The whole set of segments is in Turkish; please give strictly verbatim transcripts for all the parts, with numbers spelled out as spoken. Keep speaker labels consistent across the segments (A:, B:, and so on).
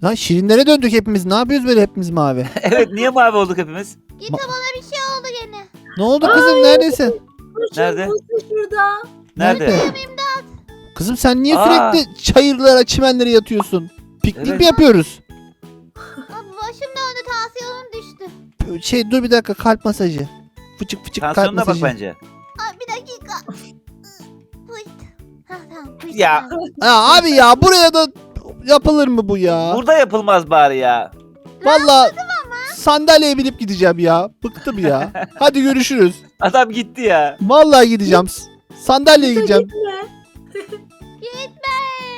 A: Lan şirinlere döndük hepimiz. Ne yapıyoruz böyle hepimiz mavi?
B: Evet, niye mavi olduk hepimiz?
C: Git bana bir şey oldu gene.
A: Ne oldu kızım, neredesin?
B: Nerede?
D: Burcu şurada.
B: Nerede?
A: Kızım sen niye
B: Aa.
A: sürekli çayırlara, çimenlere yatıyorsun? Piknik
B: Evet.
A: mi yapıyoruz?
C: Abi başım döndü, tansiyonum düştü.
A: Şey dur bir dakika, kalp masajı. Fıçık fıçık kalp
B: Tansiyonuna bak
A: masajı.
B: bence.
C: Abi bir dakika. Pıt. Ha tamam. pıt.
B: Ya.
A: Ya abi ya, buraya da yapılır mı bu ya?
B: Burada yapılmaz bari ya.
A: Vallahi sandalyeye binip gideceğim ya. Bıktım ya. Hadi görüşürüz.
B: Adam gitti ya.
A: Vallahi gideceğim. Sandalyeye gideceğim.
D: Gitme.
C: Gitme.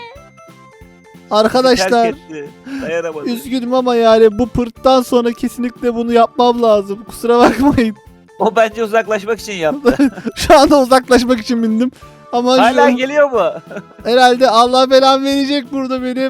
A: Arkadaşlar
B: Terk etti. Dayanamadı.
A: üzgünüm ama yani bu pırttan sonra kesinlikle bunu yapmam lazım. Kusura bakmayın.
B: O bence uzaklaşmak için yaptı.
A: Şu anda uzaklaşmak için bindim. Ama
B: Hala
A: şu,
B: geliyor mu?
A: herhalde Allah belamı verecek burada benim.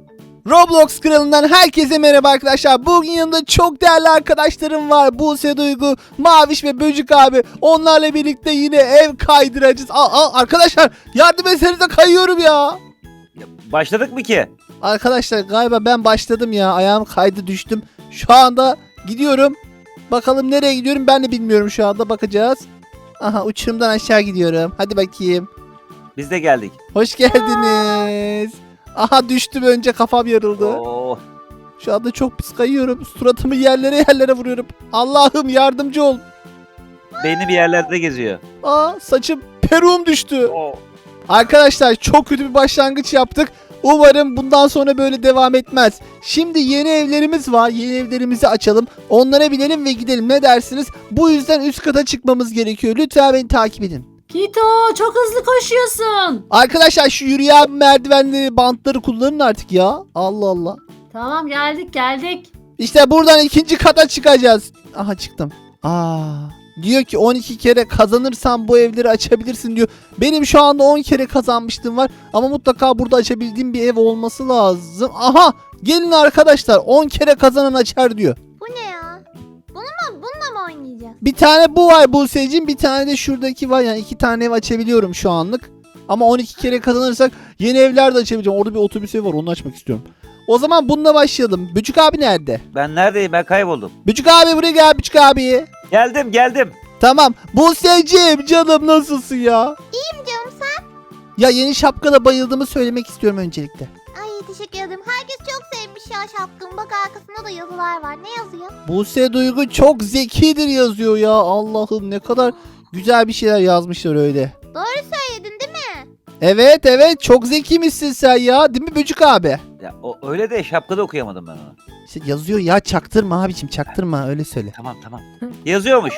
A: Roblox kralından herkese merhaba arkadaşlar. Bugün yanımda çok değerli arkadaşlarım var. Buse Duygu, Maviş ve Böcük abi. Onlarla birlikte yine ev kaydıracağız. Aa, aa, arkadaşlar yardım etsenize, kayıyorum ya.
B: Başladık mı ki?
A: Arkadaşlar galiba ben başladım ya. Ayağım kaydı, düştüm. Şu anda gidiyorum. Bakalım nereye gidiyorum ben de bilmiyorum şu anda. Bakacağız. Aha, uçurumdan aşağı gidiyorum. Hadi bakayım.
B: Biz de geldik.
A: Hoş geldiniz. Aha, düştüm, önce kafam yarıldı.
B: Oo.
A: Şu anda çok pis kayıyorum. Suratımı yerlere yerlere vuruyorum. Allah'ım yardımcı ol.
B: Beyni bir yerlerde geziyor.
A: Aa, saçım, peruğum düştü.
B: Oo.
A: Arkadaşlar çok kötü bir başlangıç yaptık. Umarım bundan sonra böyle devam etmez. Şimdi yeni evlerimiz var. Yeni evlerimizi açalım. Onlara binelim ve gidelim. Ne dersiniz? Bu yüzden üst kata çıkmamız gerekiyor. Lütfen beni takip edin.
D: Kito çok hızlı koşuyorsun.
A: Arkadaşlar şu yürüyen merdivenleri, bantları kullanın artık ya. Allah Allah.
D: Tamam geldik geldik.
A: İşte buradan ikinci kata çıkacağız. Aha, çıktım. Aa, diyor ki on iki kere kazanırsan bu evleri açabilirsin diyor. Benim şu anda on kere kazanmıştım var. Ama mutlaka burada açabildiğim bir ev olması lazım. Aha, gelin arkadaşlar, on kere kazanan açar diyor.
C: Bu ne ya? Bunu mu, bununla mı oynayacağız?
A: Bir tane bu var Buse'cim, bir tane de şuradaki var. Yani iki tane ev açabiliyorum şu anlık. Ama on iki kere kazanırsak yeni evler de açabileceğim. Orada bir otobüs evi var, onu açmak istiyorum. O zaman bununla başlayalım. Böcük abi nerede?
B: Ben neredeyim? Ben kayboldum.
A: Böcük abi buraya gel, Böcük abi.
B: Geldim geldim.
A: Tamam. Buse'cim canım, nasılsın ya?
C: İyiyim canım, sen?
A: Ya yeni şapkana bayıldığımı söylemek istiyorum öncelikle.
C: Ay teşekkür ederim. Herkes çok sevmiş ya şapkamı. Bak arkasında da yazılar var. Ne yazıyor?
A: Buse Duygu çok zekidir yazıyor ya. Allah'ım ne kadar güzel bir şeyler yazmışlar öyle.
C: Doğru söyledin değil mi?
A: Evet evet, çok zekiymişsin sen ya. Değil mi Böcük abi?
B: Ya o öyle de şapkada okuyamadım ben onu.
A: İşte yazıyor ya, çaktırma abicim, çaktırma, öyle söyle.
B: Tamam tamam. Yazıyormuş.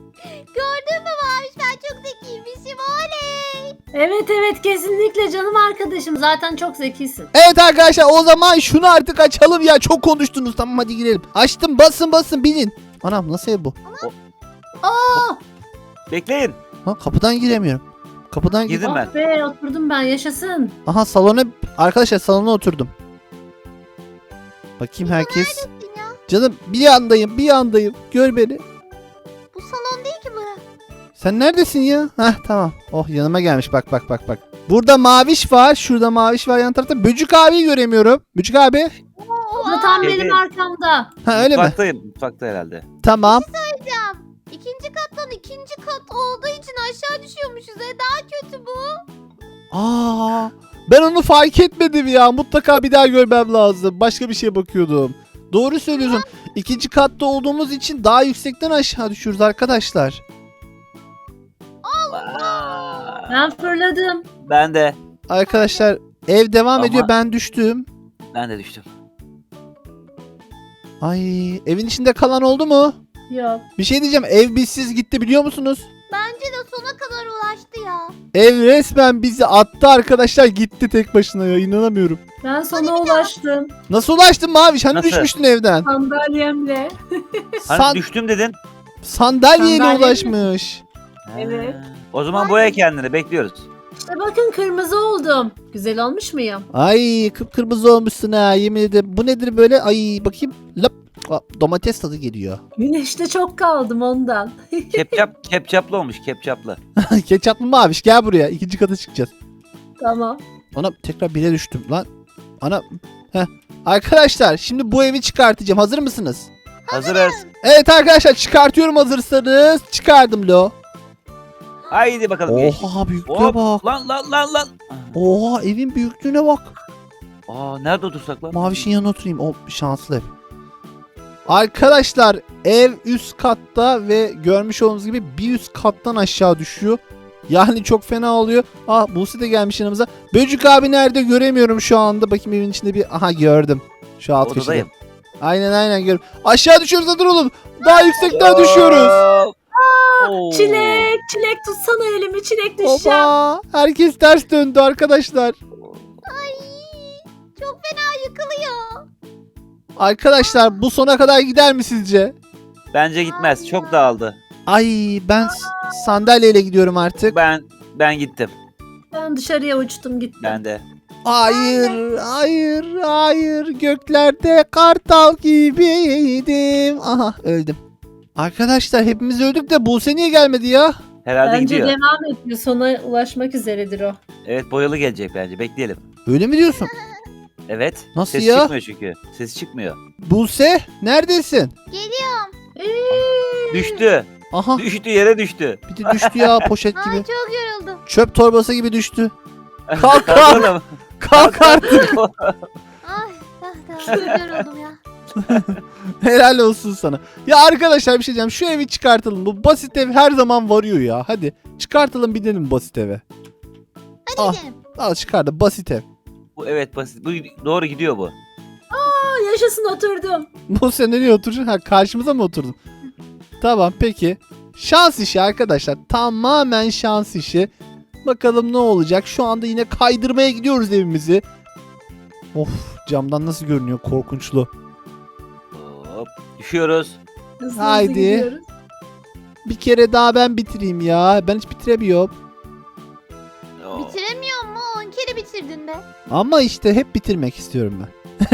C: Gördün mü Maviş? Ben çok zekiymişim. Oley.
D: Evet evet kesinlikle canım arkadaşım. Zaten çok zekisin.
A: Evet arkadaşlar, o zaman şunu artık açalım ya. Çok konuştunuz, tamam hadi girelim. Açtım, basın basın, binin. Anam, nasıl ev bu?
D: Aa,
B: Bekleyin.
A: Ha, kapıdan giremiyorum. Kapıdan gir.
B: Girdim ben.
D: oh be oturdum ben yaşasın.
A: Aha, salona, arkadaşlar salona oturdum. Bakayım herkes.
C: Neredesin ya?
A: Canım bir yandayım, bir yandayım. Gör beni.
C: Bu salon değil ki bura.
A: Sen neredesin ya? Heh, tamam. Oh, yanıma gelmiş, bak bak bak bak. Burada Maviş var, şurada Maviş var, yan tarafta. Böcük abiyi göremiyorum. Böcük abi.
D: O da tam
B: Evet.
D: benim arkamda.
A: Ha, öyle mi?
B: Mutfaktayım. Mutfakta herhalde.
A: Tamam.
C: Hocam, İkinci kattan ikinci kat olduğu için aşağı düşüyormuşuz. E daha kötü bu.
A: Aa, ben onu fark etmedim ya. Mutlaka bir daha görmem lazım. Başka bir şeye bakıyordum. Doğru söylüyorsun. İkinci katta olduğumuz için daha yüksekten aşağı düşüyoruz arkadaşlar.
B: Vay.
D: Ben fırladım.
B: Ben de.
A: Arkadaşlar ev devam
B: Ama-
A: ediyor. Ben düştüm.
B: Ben de düştüm.
A: Ay, evin içinde kalan oldu mu?
D: Yok.
A: Bir şey diyeceğim. Ev bizsiz gitti, biliyor musunuz?
C: Bence de sona kadar ulaştı ya.
A: Ev resmen bizi attı arkadaşlar. Gitti tek başına ya. İnanamıyorum.
D: Ben sona ulaştım.
A: Nasıl ulaştın Maviş? Hani
B: Nasıl?
A: düşmüştün evden?
D: Sandalyemle.
B: Hani
A: San-
B: düştüm dedin.
A: Sandalyeyle
D: Sandalye mi?
A: ulaşmış.
D: Evet.
B: Ha. O zaman boya kendini, bekliyoruz.
D: İşte bakın kırmızı oldum. Güzel olmuş muyum?
A: Ay, kıpkırmızı olmuşsun ha, yemin ederim. Bu nedir böyle? Ay bakayım. Lap. Aa, domates tadı geliyor.
D: Güneşte çok kaldım ondan.
B: Kepçap, kepçaplı olmuş, kepçaplı.
A: Ketçaplı Maviş, gel buraya. İkinci kata çıkacağız.
D: Tamam.
A: Ana, tekrar bire düştüm lan. Ana. Heh. Arkadaşlar şimdi bu evi çıkartacağım. Hazır mısınız?
B: Hazırız.
A: Evet arkadaşlar çıkartıyorum hazırsanız. Çıkardım lo.
B: Haydi bakalım. geç.
A: Oha büyüklüğe
B: Hop.
A: bak.
B: Lan lan lan lan.
A: Oha evin büyüklüğüne bak.
B: Aa nerede otursak lan?
A: Mavişin yanına oturayım. O şanslı ev. Arkadaşlar ev üst katta ve görmüş olduğunuz gibi bir üst kattan aşağı düşüyor. Yani çok fena oluyor. Ah Buse de gelmiş yanımıza. Böcük abi nerede göremiyorum şu anda. Bakayım evin içinde bir... Aha gördüm. Şu alt köşede.
B: Odadayım.
A: Aynen aynen görüyorum. Aşağı düşüyoruz hadi oğlum. Daha yüksekten düşüyoruz.
B: Oo.
D: Çilek, çilek tutsana elimi, çilek düşeceğim.
A: Oba. Herkes ters döndü arkadaşlar.
C: Ay çok fena yıkılıyor.
A: Arkadaşlar bu sona kadar gider mi sizce?
B: Bence gitmez. Çok dağıldı.
A: Ay ben s- sandalyeyle gidiyorum artık.
B: Ben ben gittim.
D: Ben dışarıya uçtum gittim.
B: Ben de.
A: Hayır, hayır, hayır. Göklerde kartal gibiydim. Aha öldüm. Arkadaşlar hepimiz öldük de Buse niye gelmedi ya?
B: Herhalde
D: Bence
B: gidiyor.
D: devam ediyor. Sona ulaşmak üzeredir o.
B: Evet boyalı gelecek bence. Bekleyelim.
A: Öyle mi diyorsun?
B: Evet.
A: Nasıl
B: Ses
A: ya?
B: çıkmıyor çünkü. Ses çıkmıyor.
A: Buse neredesin?
C: Geliyorum.
D: Eee,
B: Düştü.
A: Aha
B: Düştü yere düştü.
A: bir de düştü ya poşet
C: Ay
A: gibi.
C: çok yoruldum.
A: Çöp torbası gibi düştü. Kalk kalk.
B: Oğlum.
A: Kalk artık.
C: Ay ah, ah, çok yoruldum ya.
A: Helal olsun sana. Ya arkadaşlar bir şey diyeceğim. Şu evi çıkartalım. Bu basit ev her zaman varıyor ya. Hadi çıkartalım gidelim basit eve.
C: Hadi
A: Ah.
C: gidelim.
A: Al çıkardı basit ev.
B: Bu evet basit. Bu doğru gidiyor bu.
D: aa, yaşasın oturdum.
A: Bu sen nereye oturacaksın? Ha karşımıza mı oturdun? Tamam peki. Şans işi arkadaşlar. Tamamen şans işi. Bakalım ne olacak. Şu anda yine kaydırmaya gidiyoruz evimizi. Of camdan nasıl görünüyor korkunçlu.
B: Hop. Düşüyoruz.
D: Hızlı hızlı
A: Haydi.
D: gidiyoruz.
A: Bir kere daha ben bitireyim ya. Ben hiç bitiremiyorum.
B: Oo.
C: Bitiremiyor mu? on kere bitirdin be.
A: Ama işte hep bitirmek istiyorum ben.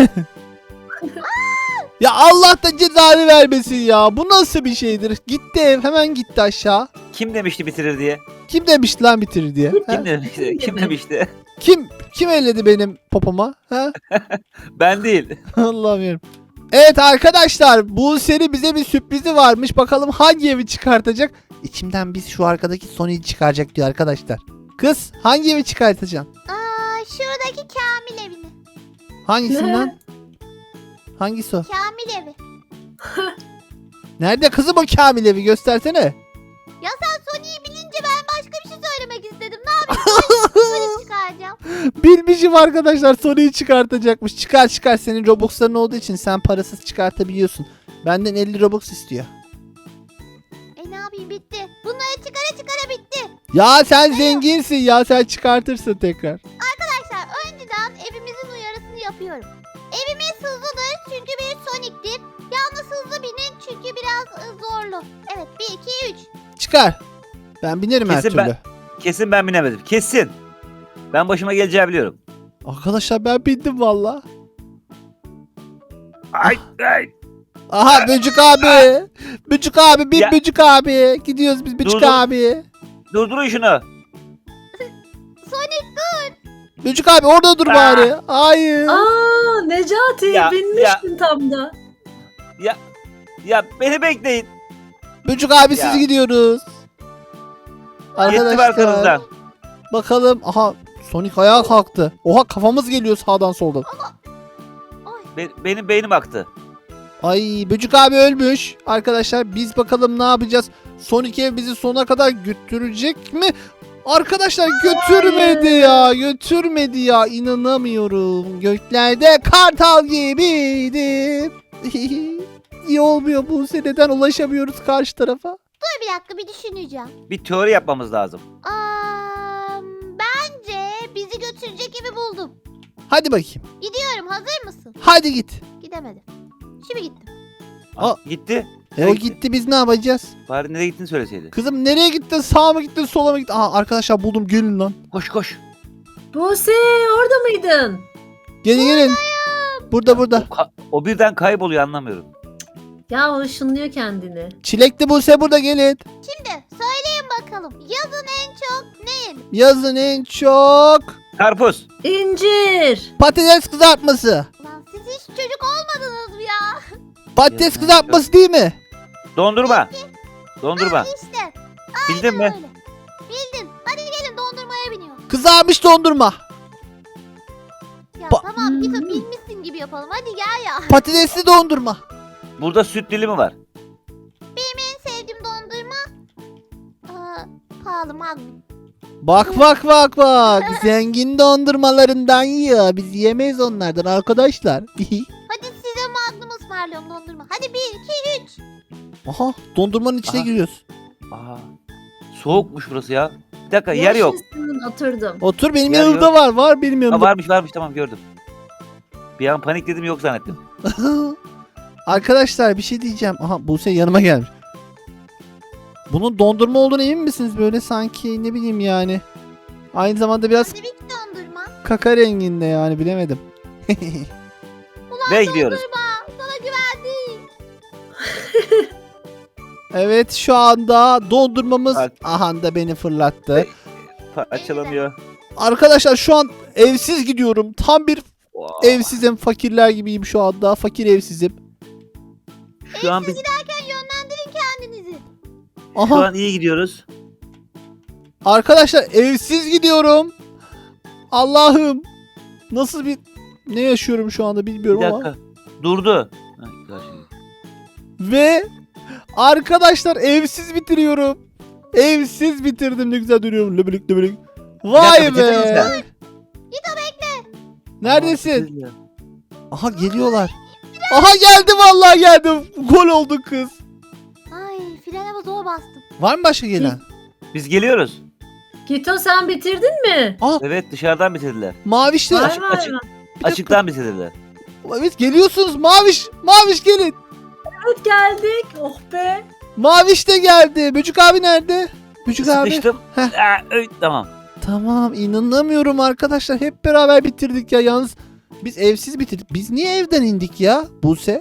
A: Ya Allah da cezanı vermesin ya. Bu nasıl bir şeydir? Gitti ev hemen gitti aşağı.
B: Kim demişti bitirir diye?
A: Kim demişti lan bitirir diye? Ha?
B: Kim demişti? Kim
D: Kim
B: demişti?
A: Kim kim elledi benim popoma? Ha?
B: Ben değil.
A: Allah'ım yarabbim. Evet arkadaşlar bu seri bize bir sürprizi varmış. Bakalım hangi evi çıkartacak? İçimden biz şu arkadaki Sony'yi çıkaracak diyor arkadaşlar. Kız hangi evi çıkartacaksın?
C: Aa şuradaki Kamil evini.
A: Hangisinden? Hangisi o?
C: Kamil evi.
A: Nerede kızım o Kamil evi göstersene.
C: Ya sen Sony'yi bilince ben başka bir şey söylemek istedim. Ne yapayım? Sony çıkaracağım.
A: Bilmişim arkadaşlar Sony'yi çıkartacakmış. Çıkar çıkar senin Robux'ların olduğu için sen parasız çıkartabiliyorsun. Benden elli Robux istiyor.
C: E ne yapayım bitti. Bunları çıkara çıkara bitti.
A: Ya sen zenginsin ya sen çıkartırsın tekrar.
C: Arkadaşlar önceden evimizin uyarısını yapıyorum. Evimiz hızlıdır çünkü bir Sonic'tir. Yalnız hızlı binin çünkü biraz ı, zorlu. Evet bir iki üç.
A: Çıkar. Ben binerim her
B: Kesin
A: türlü.
B: ben- Kesin ben binemedim. Kesin. Ben başıma geleceği biliyorum.
A: Arkadaşlar ben bindim valla.
B: Ay ay.
A: Aha Böcük abi. Böcük abi bin
B: Ya-
A: Böcük abi. Gidiyoruz biz Böcük
B: Dur, dur.
A: abi.
B: Durdurun şunu.
C: Sonic
A: Böcük abi orada dur
B: Aa.
A: bari. Hayır.
D: Aa, Necati
B: Ya,
D: binmiştin tam da.
B: Ya ya beni bekleyin.
A: Böcük abi
B: Ya.
A: siz gidiyoruz.
B: Yettim arkanızdan.
A: Bakalım. Aha Sonic ayağa kalktı. Oha kafamız geliyor sağdan soldan.
B: Be- benim beynim aktı.
A: Ay Böcük abi ölmüş. Arkadaşlar biz bakalım ne yapacağız. Sonic ev bizi sona kadar götürecek mi? Arkadaşlar götürmedi ya. Götürmedi ya. İnanamıyorum. Göklerde kartal gibiydim. İyi olmuyor bu seneden ulaşamıyoruz karşı tarafa.
C: dur bir dakika bir düşüneceğim.
B: Bir teori yapmamız lazım.
C: Aa, bence bizi götürecek evi buldum.
A: Hadi bakayım.
C: Gidiyorum hazır mısın?
A: Hadi git.
C: Gidemedim. Şimdi gittim.
A: Aa.
B: Gitti.
A: E o gitti biz ne yapacağız?
B: Bari nereye gittiğini söyleseydi.
A: Kızım nereye gittin? Sağa mı gittin? Sola mı gittin? Aha arkadaşlar buldum gelin lan.
B: Koş koş.
D: Buse orada mıydın?
A: Gelin gelin. Burada burada.
B: O, ka- o birden kayboluyor anlamıyorum.
D: Ya o ışınlıyor kendini.
A: Çilekli Buse burada gelin.
C: Şimdi söyleyin bakalım. Yazın en çok ne yenir?
A: Yazın en çok
B: Karpuz.
D: İncir.
A: patates kızartması.
C: Ulan siz hiç bulmadınız mı ya?
A: Patates
B: Ya,
A: kızartması değil mi?
B: Dondurma. Dondurma.
C: İşte.
B: Bildin mi?
C: Öyle. Bildin. Hadi gelin dondurmaya biniyor.
A: Kızarmış dondurma.
C: Ya
A: Ba-
C: tamam Gito bilmişsin gibi yapalım. Hadi gel ya.
A: Patatesli dondurma.
B: Burada süt dilimi var.
C: Benim en sevdiğim dondurma. Aa, pahalı Magnum.
A: Bak bak bak bak. Zengin dondurmalarından yiyor. Biz yemeyiz onlardan arkadaşlar.
C: Hadi size Magnum ısmarlıyorum dondurma. Hadi bir, iki, üç.
A: Aha dondurmanın içine
B: Aha.
A: giriyoruz.
B: Aa, soğukmuş burası ya. Bir dakika yer yok.
D: Yaşasın, oturdum.
A: Otur benim
B: Yer
A: yanımda
B: yok.
A: var. Var benim
B: Ha,
A: yanımda.
B: varmış varmış tamam gördüm. Bir an panikledim yok zannettim.
A: Arkadaşlar bir şey diyeceğim. Aha Buse yanıma gelmiş. Bunun dondurma olduğunu emin misiniz? Böyle sanki ne bileyim yani. Aynı zamanda biraz
C: Hadi bir dondurma.
A: kaka renginde yani bilemedim.
C: Ulan
B: Ve gidiyoruz.
C: dondurma. Sana güvendik.
A: Evet şu anda dondurmamız
B: Bak.
A: aha da beni fırlattı.
B: Pa- açılamıyor.
A: Arkadaşlar şu an evsiz gidiyorum. Tam bir
B: Wow.
A: evsizim. Fakirler gibiyim şu anda. Fakir evsizim.
B: Şu an biz
C: Giderken yönlendirin kendinizi.
B: şu
A: Aha
B: an iyi gidiyoruz.
A: arkadaşlar evsiz gidiyorum. Allah'ım. Nasıl bir ne yaşıyorum şu anda bilmiyorum
B: Bir
A: ama.
B: dakika. Durdu. Ha, karşı-
A: Ve arkadaşlar evsiz bitiriyorum. Evsiz bitirdim ne güzel duruyorum. Löbülük löbülük. Vay
B: Bir dakika, bitirdin mi
A: be.
B: sen?
A: Neredesin?
B: Aa,
A: Aha geliyorlar. Aha geldi vallahi geldim. Gol oldu kız.
C: Ay frene zor bastım.
A: Var mı başka gelen?
B: Biz geliyoruz.
D: Gito sen bitirdin mi?
A: Aa
B: Evet dışarıdan bitirdiler.
A: mavişte.
D: Vay vay
B: açık.
D: vay.
B: Açıktan bitirdiler.
A: Evet geliyorsunuz maviş. Maviş gelin.
D: Evet geldik. Oh be.
A: Maviş de geldi. Böcük abi nerede? Böcük abi.
B: Sıkıştım.
A: Heh.
B: Aa, öy, tamam.
A: Tamam inanamıyorum arkadaşlar. Hep beraber bitirdik ya. Yalnız biz evsiz bitirdik. Biz niye evden indik ya Buse?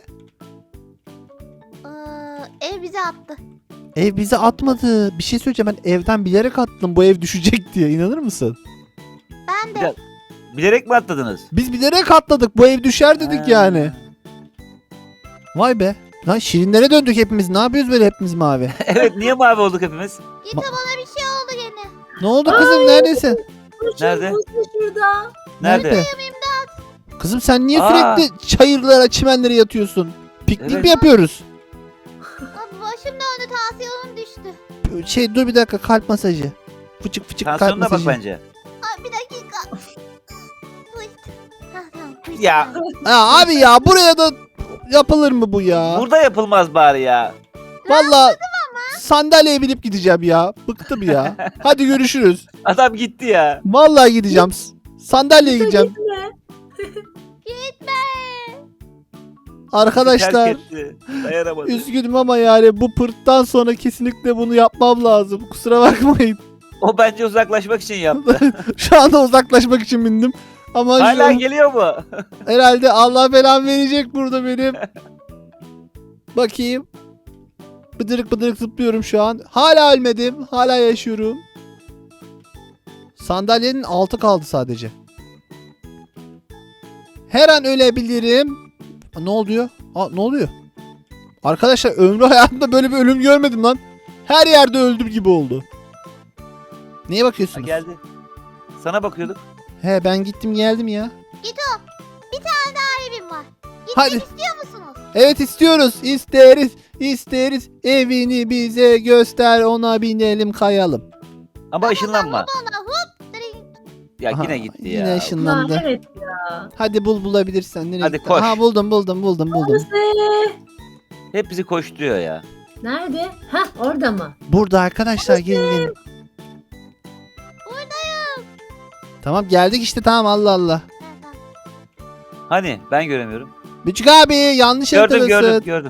C: Ee, ev bizi attı.
A: Ev bizi atmadı. Bir şey söyleyeceğim ben evden bilerek attım bu ev düşecek diye. İnanır mısın?
C: Ben
B: Bir
C: de.
B: dakika. Bilerek mi atladınız?
A: Biz bilerek atladık. Bu ev düşer dedik
B: Ha.
A: yani. Vay be. Lan şirinlere döndük hepimiz. Ne yapıyoruz böyle hepimiz mavi?
B: Evet niye mavi olduk hepimiz?
C: Gito bana bir şey oldu gene.
A: Ne oldu kızım neredesin?
B: Nerede?
D: Buse şurada.
B: Nerede?
A: Kızım sen niye
B: Aa.
A: sürekli çayırlara çimenlere yatıyorsun? Piknik
B: Evet.
A: mi yapıyoruz?
C: Abi başım döndü tansiyonum düştü.
A: Şey dur bir dakika kalp masajı. Fıçık fıçık kalp
B: Tansiyonuna bak
A: masajı.
B: bence.
C: Ay bir dakika. Twist. Ha tamam. twist.
B: Ya.
A: Ya abi ya buraya da yapılır mı bu ya?
B: Burada yapılmaz bari ya.
A: Vallahi sandalyeye binip gideceğim ya. Bıktım ya. Hadi görüşürüz.
B: Adam gitti ya.
A: Vallahi gideceğim. Sandalyeye
D: Gito
A: gideceğim.
D: gitme.
C: Gitme.
A: Arkadaşlar
B: Terk etti. Dayanamadı.
A: üzgünüm ama yani bu pırttan sonra kesinlikle bunu yapmam lazım. Kusura bakmayın.
B: O bence uzaklaşmak için yaptı.
A: Şu anda uzaklaşmak için bindim. Ama
B: Hala
A: şu,
B: geliyor mu?
A: herhalde Allah belamı verecek burada benim. Bakayım. Bıdırık bıdırık zıplıyorum şu an. Hala ölmedim. Hala yaşıyorum. Sandalyenin altı kaldı sadece. Her an ölebilirim. Aa, ne oluyor? Aa, ne oluyor? Arkadaşlar ömrü hayatımda böyle bir ölüm görmedim lan. Her yerde öldüm gibi oldu. Neye
B: Ha,
A: bakıyorsunuz?
B: geldi. Sana bakıyorduk.
A: He ben gittim geldim ya.
C: Gito. Bir tane daha evim var. Gitmek
A: Hadi.
C: istiyor musunuz?
A: Evet istiyoruz. İsteriz. İsteriz. Evini bize göster. Ona binelim kayalım.
B: Ama ışınlanma.
C: Bana hop. direkt.
B: Ya
A: Aha,
B: yine gitti
A: Yine
B: ya.
A: ışınlandı.
D: Ha, evet ya.
A: Hadi bul bulabilirsen. Nereye
B: Hadi
A: gitti?
B: koş.
A: Aha buldum buldum buldum buldum.
D: Buse.
B: Hep bizi koşturuyor ya.
D: Nerede? Hah orada mı?
A: Burada arkadaşlar gelin gelin.
C: Buradayım.
A: Tamam geldik işte tamam Allah Allah.
C: Ha, tamam.
B: Hani ben göremiyorum.
A: Büçük abi yanlış
B: Gördüm
A: haritadasın.
B: gördüm gördüm.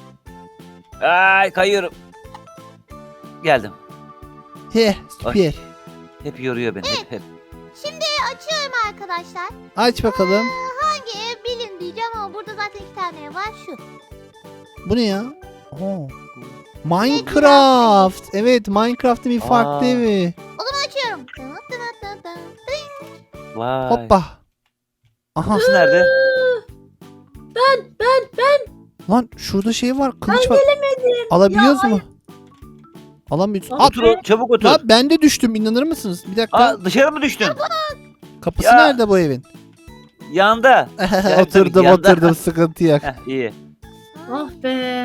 B: Ay kayıyorum. Geldim.
A: He süper.
B: Ay. Hep yoruyor beni hep hep.
C: Şimdi açıyorum arkadaşlar.
A: Aç bakalım.
C: Ee, hangi ev bilin diyeceğim ama burada zaten iki tane ev var şu.
A: Bu ne ya? Oo. Minecraft. Evet Minecraft'ın bir farklı
B: Aa.
A: evi.
C: O zaman açıyorum. Dın dın dın dın dın.
B: Vay.
A: Hoppa. Aha.
B: Burası nerede?
D: Ben ben ben ben.
A: Lan şurada şey var. Kılıç
D: Ben
A: var.
D: gelemedim.
A: Alabiliyoruz
D: Ya,
A: mu? Alamıyoruz.
D: Abi,
A: Aa,
B: Otur o- çabuk otur.
A: lan ben de düştüm. İnanır mısınız? Bir dakika.
B: Aa, dışarı mı düştün?
A: Kapısı
B: ya.
A: nerede bu evin?
B: Yanda. tabii ki
A: oturdum
B: yanda.
A: oturdum. Sıkıntı yok.
B: Heh, iyi.
D: Oh be.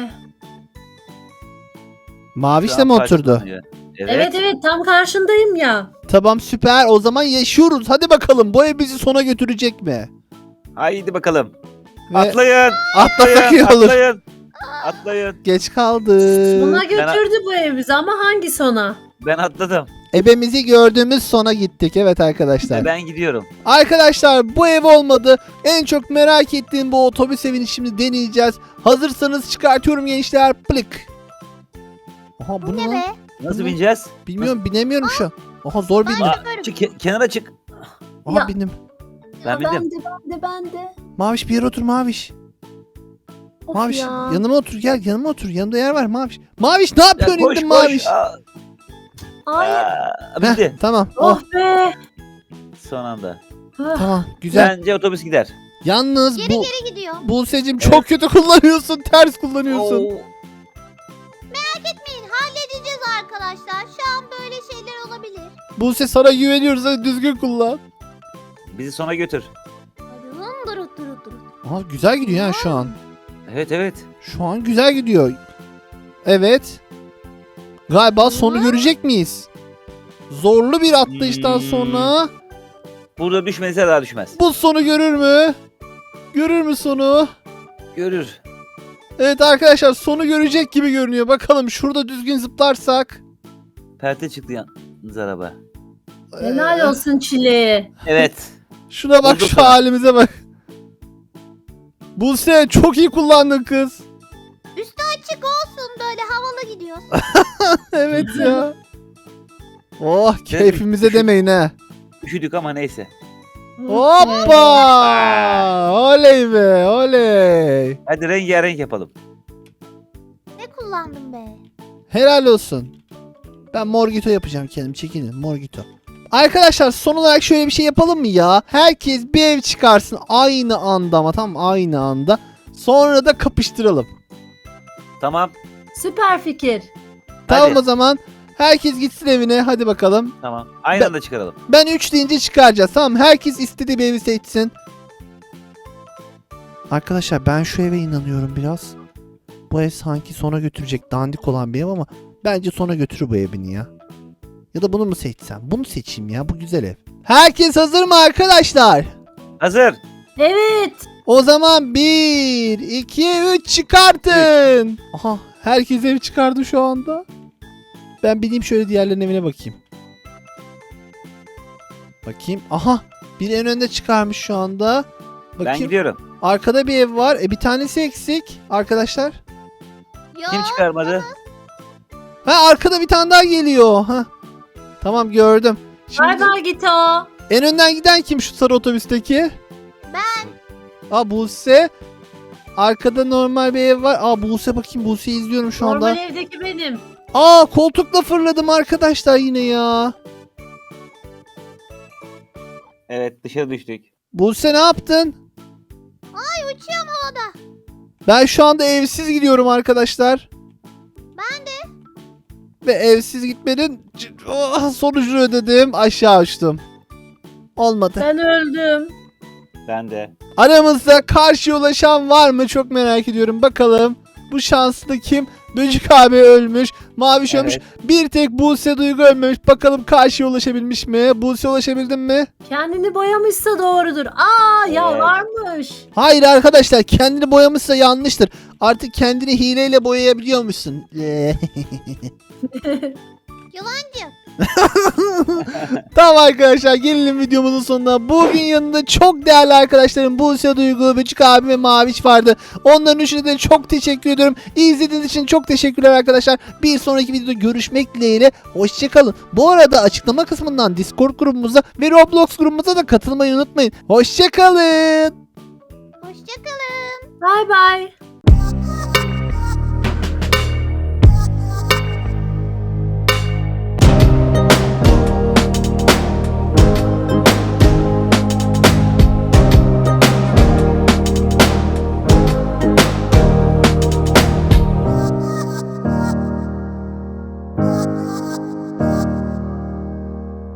A: Maviş
B: Şu
A: de
B: an
A: mi oturdu?
B: karşılanıyor. Evet.
D: Evet evet tam karşındayım ya.
A: Tamam süper. O zaman yaşıyoruz. Hadi bakalım. Bu ev bizi sona götürecek mi?
B: Haydi bakalım.
A: Ve
B: Atlayın.
A: atlasak iyi olur.
B: Atlayın. Atlayın.
A: Geç kaldı.
D: Sona götürdü bu ev bizi ama hangi sona?
B: Ben atladım.
A: Ebemizi gördüğümüz sona gittik. Evet arkadaşlar.
B: Ben gidiyorum.
A: Arkadaşlar bu ev olmadı. En çok merak ettiğim bu otobüs evini şimdi deneyeceğiz. Hazırsanız çıkartıyorum gençler. Plık. Aha bu
C: Bu
A: ne
C: ne
A: lan?
C: be?
B: Nasıl
A: Bunu-
B: bineceğiz?
A: Bilmiyorum binemiyorum şu an. Aha zor bindim.
B: Aa,
C: Şoförüm.
B: çık, ke- kenara çık.
A: Aha
D: Ya.
A: bindim.
B: Ben
D: Ya
B: bildim.
D: Ben de ben de ben de.
A: Maviş bir yere otur Maviş.
D: Of
A: Maviş
D: ya.
A: yanıma otur gel yanıma otur. Yanımda yer var Maviş. Maviş ne
B: Ya
A: yapıyorsun
B: koş
A: indin
B: koş.
A: Maviş?
B: Aa,
D: Hayır.
B: aa,
A: Heh,
B: Bitti.
A: tamam. Oh,
D: Oh be.
B: Son anda.
D: Ah,
A: tamam güzel.
B: Bence otobüs gider.
A: Yalnız
C: Geri
A: bu
C: geri gidiyor.
A: Buse'cim
B: Evet.
A: çok kötü kullanıyorsun. Ters kullanıyorsun.
B: Oo,
C: Merak etmeyin halledeceğiz arkadaşlar. Şu an böyle şeyler olabilir.
A: Buse sana güveniyoruz. Hadi düzgün kullan.
B: bizi sona götür.
C: Durun durun durun durun.
A: Aha güzel gidiyor ha şu an.
B: Evet evet.
A: Şu an güzel gidiyor. Evet. Galiba sonu görecek miyiz? Zorlu bir atlayıştan
B: Hmm.
A: sonra
B: Burada düşmezse daha düşmez.
A: bu sonu görür mü? Görür mü sonu?
B: Görür.
A: Evet arkadaşlar sonu görecek gibi görünüyor. Bakalım şurada düzgün zıplarsak.
B: Perte çıktı yalnız araba.
D: helal
A: Ee,
D: olsun çileğe.
B: Evet.
A: Şuna bak
B: Bulduk
A: şu
B: sana.
A: halimize bak. Buse çok iyi kullandın kız.
C: Üstü açık olsun böyle havalı gidiyoruz.
A: Evet ya. Oh keyfimize demeyin ha.
B: Üşüdük ama neyse.
A: Hoppa! Oley be oley.
B: Hadi rengarenk yapalım.
C: Ne kullandım be?
A: Helal olsun. Ben Morgito yapacağım kendim. Çekinin Morgito. Arkadaşlar son olarak şöyle bir şey yapalım mı ya? Herkes bir ev çıkarsın aynı anda ama tam aynı anda. Sonra da kapıştıralım.
B: Tamam.
D: Süper fikir.
A: Tamam
B: Hadi.
A: o zaman. Herkes gitsin evine. Hadi bakalım.
B: Tamam. Aynı
A: Ben-
B: anda çıkaralım.
A: Ben üç deyince çıkaracağız. Tamam herkes istediği bir evi seçsin. Arkadaşlar ben şu eve inanıyorum biraz. Bu ev sanki sona götürecek dandik olan bir ev ama bence sona götürür bu evini ya. Ya da bunu mu seçsem? Bunu seçeyim ya. Bu güzel ev. Herkes hazır mı arkadaşlar?
B: Hazır.
D: Evet.
A: O zaman bir, iki, üç çıkartın. Aha herkes ev çıkardı şu anda. Ben bineyim şöyle diğerlerinin evine bakayım. Bakayım. Aha biri en önde çıkarmış şu anda.
B: Ben
A: Bakayım.
B: gidiyorum.
A: Arkada bir ev var. E bir tanesi eksik arkadaşlar.
C: Ya
B: Kim çıkarmadı?
A: Ha arkada bir tane daha geliyor. Ha. Tamam gördüm.
D: Bay
A: Şimdi
D: bay git o.
A: en önden giden kim şu sarı otobüsteki?
C: ben
A: Aa Buse. Arkada normal bir ev var. Aa Buse bakayım Buse'yi izliyorum şu anda.
D: Normal evdeki benim.
A: Aa koltukla fırladım arkadaşlar yine ya.
B: Evet dışarı düştük.
A: Buse ne yaptın?
C: ay uçuyorum havada.
A: Ben şu anda evsiz gidiyorum arkadaşlar.
C: Ben de.
A: Ve evsiz gitmenin c- oh, sonucunu ödedim. Aşağı uçtum. Olmadı.
D: Ben öldüm.
B: Ben de.
A: Aramızda karşıya ulaşan var mı? Çok merak ediyorum. Bakalım. Bu şanslı kim? Böcük abi ölmüş. Maviş ölmüş.
B: Evet.
A: Bir tek Buse Duygu ölmüş. Bakalım karşıya ulaşabilmiş mi? Buse ulaşabildin mi?
D: Kendini boyamışsa doğrudur. Aa ya
B: Evet.
D: varmış.
A: Hayır arkadaşlar. Kendini boyamışsa yanlıştır. Artık kendini hileyle boyayabiliyormuşsun.
C: Yalancı.
A: Tamam arkadaşlar gelelim videomuzun sonuna. Bugün yanında çok değerli arkadaşlarım Buse Duygu, Böcük abi ve Maviş vardı. Onların üçüne de çok teşekkür ediyorum. İzlediğiniz için çok teşekkürler arkadaşlar. Bir sonraki videoda görüşmek dileğiyle. Hoşçakalın. Bu arada açıklama kısmından Discord grubumuza ve Roblox grubumuza da katılmayı unutmayın. Hoşçakalın.
C: Hoşçakalın.
D: Bay bay.